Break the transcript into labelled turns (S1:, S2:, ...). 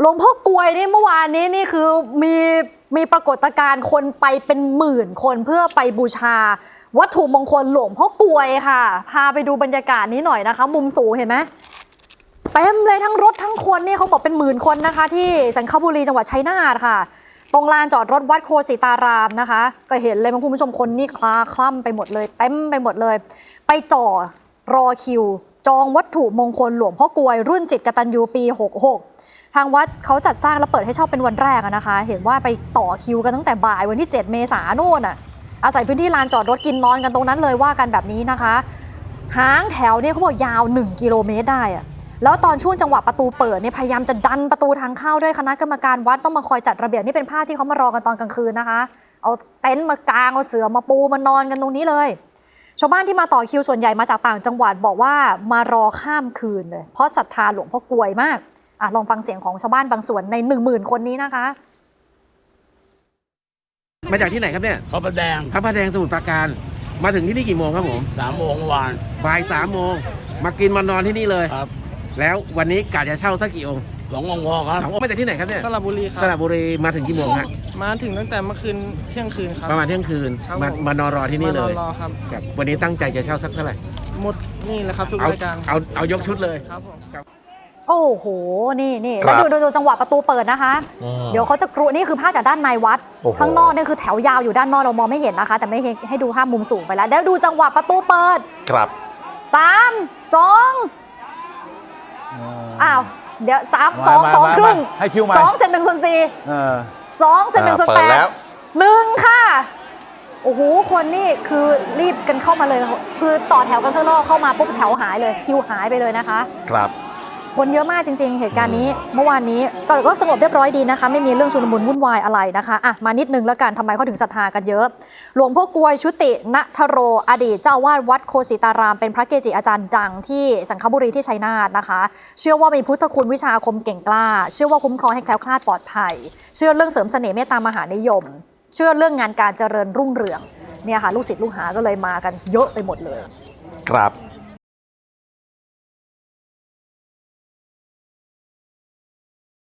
S1: หลวงพ่อกลวยนี่เมื่อวานนี้นี่คือมีปรากฏการณ์คนไปเป็นหมื่นคนเพื่อไปบูชาวัตถุมงคลหลวงพ่อกลวยค่ะพาไปดูบรรยากาศนี้หน่อยนะคะมุมสูงเห็นไหมเต็มเลยทั้งรถทั้งคนนี่เขาบอกเป็นหมื่นคนนะคะที่สังขบุรีจังหวัดชัยนาทค่ะตรงลานจอดรถวัดโคสิตารามนะคะก็เห็นเลยคุณผู้ชมคนนี่คลาคล่ำไปหมดเลยเต็มไปหมดเลยไปจ่อรอคิวจองวัตถุมงคลหลวงพ่อกลวยรุ่นศิษย์กตัญญูปี66ทางวัดเขาจัดสร้างและเปิดให้เช่าเป็นวันแรกนะคะเห็นว่าไปต่อคิวกันตั้งแต่บ่ายวันที่7 เมษายนโน่นอาศัยพื้นที่ลานจอดรถกินนอนกันตรงนั้นเลยว่ากันแบบนี้นะคะหางแถวเนี่ยเขาบอกยาว1 กิโลเมตรได้แล้วตอนช่วงจังหวะประตูเปิดเนี่ยพยายามจะดันประตูทางเข้าด้วยคณะกรรมการวัดต้องมาคอยจัดระเบียบนี่เป็นภาพที่เขามารอกันตอนกลางคืนนะคะเอาเต็นท์มากางเอาเสื่อมาปูมานอนกันตรงนี้เลยชาวบ้านที่มาต่อคิวส่วนใหญ่มาจากต่างจังหวัดบอกว่ามารอข้ามคืนเลยเพราะศรัทธาหลวงพ่อกลวยมากลองฟังเสียงของชาวบ้านบางส่วนใน 10,000 คนนี้นะคะ
S2: มาจากที่ไหนครับเนี่ย
S3: พระประแดง
S2: สมุทรปราการมาถึงที่นี่กี่โมงครับผม
S3: 3 โมงวาน
S2: บ่าย 3 โมงมากินมานอนที่นี่เลย
S3: ครับ
S2: แล้ววันนี้กะจะเช่าสักกี่องค์
S3: 2 องค์พอครับ
S2: 2 องค์มาจากที่ไหนครับเนี่ย
S4: สระบุรีครับ
S2: สระบุรีมาถึงกี่โมงครับ
S4: มาถึงตั้งแต่เมื่อคืนเที่ยงคืนครับ
S2: ประมาณเที่ยงคืนมานอนรอที่นี่เลย
S4: รอครับ
S2: วันนี้ตั้งใจจะเช่าสักเท่าไหร่
S4: หมดนี่แหละครับทุกรายการ
S2: เอายกชุดเลย
S4: ครับผม
S1: โอ้โหนี่แล้วดูจังหวะประตูเปิดนะคะเดี๋ยวเขาจะกรุนี่คือภาพจากด้านในวัดข้างนอกนี่คือแถวยาวอยู่ด้านนอกเรามองไม่เห็นนะคะแต่ไม่ให้ดูภาพมุมสูงไปแล้วเดี๋ยวดูจังหวะประตูเปิด
S5: ครับ
S1: 3 2อ้าวเดี๋ยว2 ครึ่ง
S5: ให้คิวมา
S1: 2 เศษ 1 ส่วน 4 2 เศษ 1 ส่วน 8 1ค่ะโอ้โหคนนี่คือรีบกันเข้ามาเลยคือต่อแถวกันข้างนอกเข้ามาปุ๊บแถวหายเลยคิวหายไปเลยนะคะ
S5: ครับ
S1: คนเยอะมากจริงๆเหตุการณ์นี้เมื่อวานนี้ก็สงบเรียบร้อยดีนะคะไม่มีเรื่องชุลมุนวุ่นวายอะไรนะคะมานิดนึงแล้วกันทำไมเขาถึงศรัทธากันเยอะหลวงพ่อกลวยชุติณทโรอดีตเจ้าวาดวัดโคสิตารามเป็นพระเกจิอาจารย์ดังที่สังขบุรีที่ชัยนาทนะคะเชื่อว่ามีพุทธคุณวิชาอาคมเก่งกล้าเชื่อว่าคุ้มครองให้แคล้วคลาดปลอดภัยเชื่อเรื่องเสริมเสน่ห์เมตตามหานิยมเชื่อเรื่องงานการเจริญรุ่งเรืองเนี่ยค่ะลูกศิษย์ลูกหาก็เลยมากันเยอะไปหมดเลย
S5: ครับ